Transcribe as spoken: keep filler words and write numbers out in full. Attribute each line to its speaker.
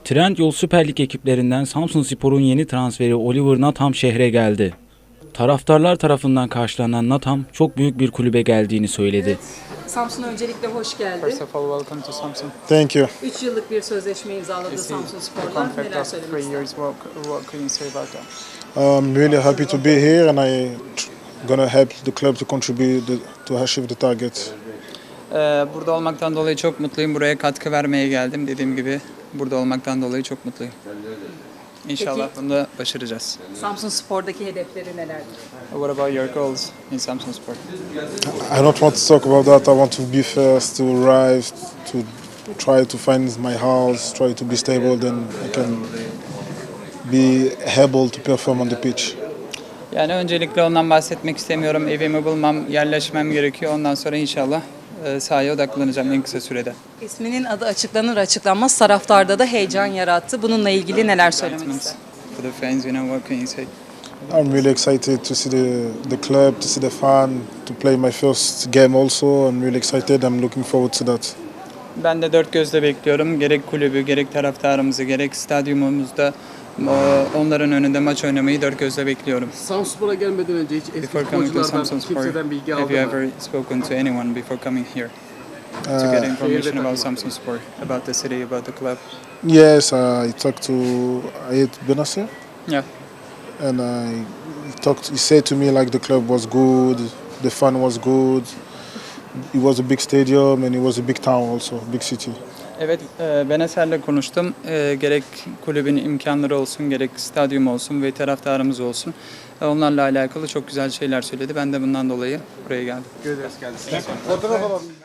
Speaker 1: Trendyol Süper Lig ekiplerinden Samsunspor'un yeni transferi Oliver Natham şehre geldi. Taraftarlar tarafından karşılanan Natham çok büyük bir kulübe geldiğini söyledi.
Speaker 2: Evet, Samsun'a öncelikle hoş geldi.
Speaker 3: First of all, welcome to Samsung.
Speaker 4: Thank you.
Speaker 2: üç yıllık bir sözleşme imzaladı Samsunspor'la.
Speaker 3: Contract
Speaker 2: Neler
Speaker 3: of
Speaker 2: söylemek
Speaker 3: three
Speaker 2: ister?
Speaker 3: years. What, what can you say about that?
Speaker 4: I'm really happy to be here, and I gonna help the club to contribute the, to achieve the targets.
Speaker 3: Ee, burada olmaktan dolayı çok mutluyum. Buraya katkı vermeye geldim. Dediğim gibi burada olmaktan dolayı çok mutluyum. İnşallah
Speaker 2: Peki.
Speaker 3: bunu da başaracağız.
Speaker 2: Samsunspor'daki hedefleri nelerdir?
Speaker 3: What about your goals in Samsunspor?
Speaker 4: I don't want to talk about that. I want to be first, to arrive, to try to find my house, try to be stable, then I can be able to perform on the pitch.
Speaker 3: Yani öncelikle ondan bahsetmek istemiyorum. Evimi bulmam, yerleşmem gerekiyor. Ondan sonra inşallah e, sahaya odaklanacağım en kısa sürede.
Speaker 2: İsminin adı açıklanır açıklanmaz taraftarda da heyecan yarattı. Bununla ilgili neler söylemek ister?
Speaker 3: For the fans, you know, what can you say?
Speaker 4: I'm really excited to see the, the club, to see the fan, to play my first game also. I'm really excited. I'm looking forward to that.
Speaker 3: Ben de dört gözle bekliyorum. Gerek kulübü, gerek taraftarımızı, gerek stadyumumuzda e, onların önünde maç oynamayı dört gözle bekliyorum.
Speaker 5: Samsunspor'a gelmeden önce hiç eski
Speaker 3: Before coming to
Speaker 5: futbolculardan
Speaker 3: Samsunspor,
Speaker 5: kimseden bilgi
Speaker 3: have
Speaker 5: aldın
Speaker 3: you
Speaker 5: mı?
Speaker 3: ever spoken to anyone before coming here to
Speaker 4: Uh,
Speaker 3: get information about Samsunspor, about the city, about the club?
Speaker 4: Yes, I talked to Ayet Benasser,
Speaker 3: Yeah.
Speaker 4: and I he talked. He said to me like the club was good, the fun was good. It was a big stadium and it was a big town also, big city.
Speaker 3: Evet, e, ben Eser'le konuştum. E, gerek kulübün imkanları olsun, gerek stadyum olsun ve taraftarımız olsun. E, onlarla alakalı çok güzel şeyler söyledi. Ben de bundan dolayı buraya geldim.
Speaker 5: Fotoğraf alalım.